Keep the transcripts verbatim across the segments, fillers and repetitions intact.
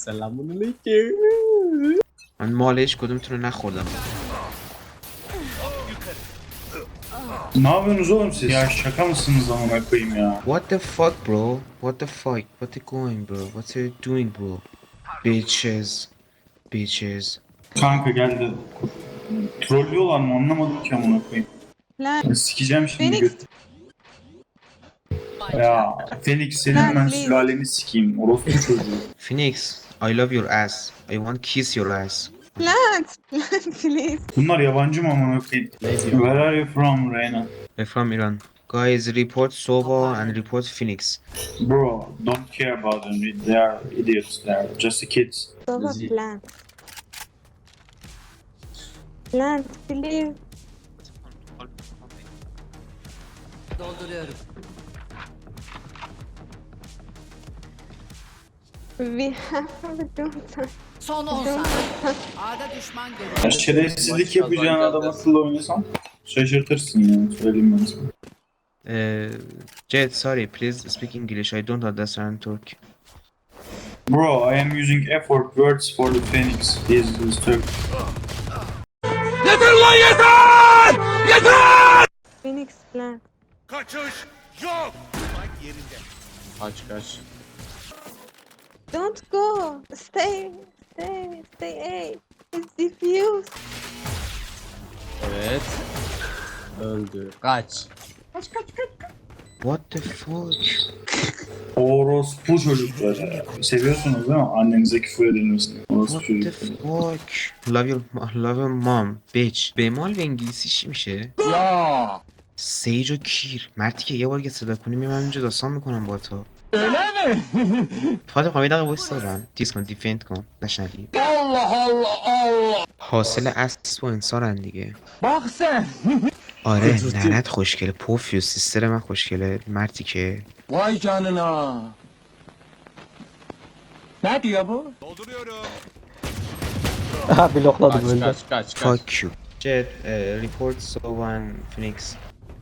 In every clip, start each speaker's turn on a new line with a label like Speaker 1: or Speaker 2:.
Speaker 1: سلام علیکم.
Speaker 2: من مالش کدومتون رو نخوردم.
Speaker 3: Ne yapıyorsunuz oğlum siz? Ya şaka mısınız amına koyayım ya?
Speaker 2: What the fuck bro? What the fuck? What you going bro? What are you doing bro? Bitches. Bitches.
Speaker 3: Kanka geldi. Trollüyorlar mı anlamadım ki amına koyayım.
Speaker 4: Lan.
Speaker 3: Ya sikeceğim şimdi
Speaker 4: Phoenix.
Speaker 3: göt. Ya Felix senin
Speaker 4: Lan,
Speaker 3: ben
Speaker 4: please.
Speaker 3: sülaleni sikeyim. Orospu çocuğu.
Speaker 2: Phoenix, I love your ass. I want kiss your ass.
Speaker 4: Plant. Plant please.
Speaker 3: Bunlar yabancı mı amına koyayım?
Speaker 1: Ne diyor?
Speaker 3: Where are you from Reyna?
Speaker 2: I'm from Iran. Guys, report Sova and report Phoenix.
Speaker 3: Bro, don't care about them. They are idiots. They are just kids.
Speaker 4: Baba
Speaker 1: Zi-
Speaker 4: plant. Plant please.
Speaker 5: Dolduruyorum.
Speaker 4: We have to do time.
Speaker 5: Son on saniye. A'da düşman
Speaker 3: Ya
Speaker 5: görüldü.
Speaker 3: şerefsizlik yapacağın adam akıllı oynasan şaşırtırsın yani. Söyleyeyim ben sana.
Speaker 2: Uh, Jet, sorry, please speak English. I don't understand Turkey.
Speaker 3: Bro, I am using effort words for the Phoenix. This is Turk.
Speaker 4: Phoenix plant.
Speaker 1: Kaç kaç.
Speaker 4: Don't go. Stay. Stay. Stay A. It's diffused.
Speaker 1: Evet. Öldü. Kaç.
Speaker 2: What the fuck?
Speaker 3: Orospu çocuklar ya. Seviyorsunuz değil mi? Annenize küfür edilmesini. Orospu
Speaker 2: What the
Speaker 3: çocuklar.
Speaker 2: fuck? Love your, love your mom, bitch. بمال و انگلیسیش میشه؟
Speaker 1: Ya.
Speaker 2: سیج و کیر. مردی که یه بار که صدا کنی میام اینجا داستان میکنم با تو. فاطمه خواهی دقیقه بایست دارم تیز کن دیفند کن نشنگی
Speaker 1: Allah Allah Allah.
Speaker 2: حاصل اصل با انسانن دیگه.
Speaker 1: Bak sen.
Speaker 2: آره
Speaker 1: Kötü.
Speaker 2: ننت خوشگله پوفیو سیستر من خوشگله مردی که
Speaker 1: Vay canına. Ne diyor bu?
Speaker 6: Ha blokladım
Speaker 1: Kaç
Speaker 6: öldü.
Speaker 1: kaç kaç kaç.
Speaker 2: fuck you. Jet, uh, report Sova and Phoenix.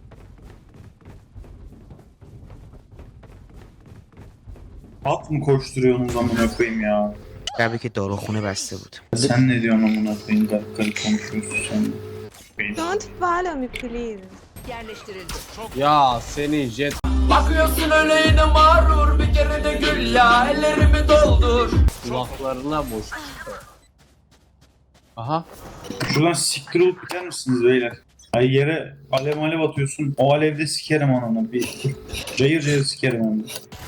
Speaker 3: At mı koşturuyorsunuz amına koyayım ya?
Speaker 2: قبلی که داروخونه بسته بود.
Speaker 3: Sen ne diyorsun amına koyayım? Garip garip konuşuyorsun sen.
Speaker 4: Don't follow me please.
Speaker 5: Yerleştirildi.
Speaker 1: Ya senin jet.
Speaker 7: Bakıyorsun öyle yine mağrur bir kere de gül ya ellerimi doldur.
Speaker 1: Kulaklarına boş. Aha.
Speaker 3: Şuradan siktir olup biter misiniz beyler? Ay yere alev alev atıyorsun. O alevde sikerim ananı. Bir cayır cayır sikerim onu.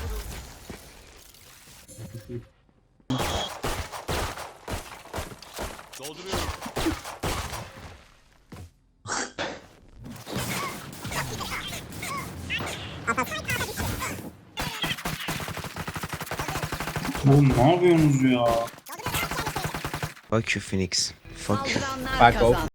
Speaker 3: Oğlum ne yapıyorsunuz ya?
Speaker 2: Fuck you Phoenix. Fuck you.
Speaker 5: Saldıranlar
Speaker 1: Back off.
Speaker 5: kazandı.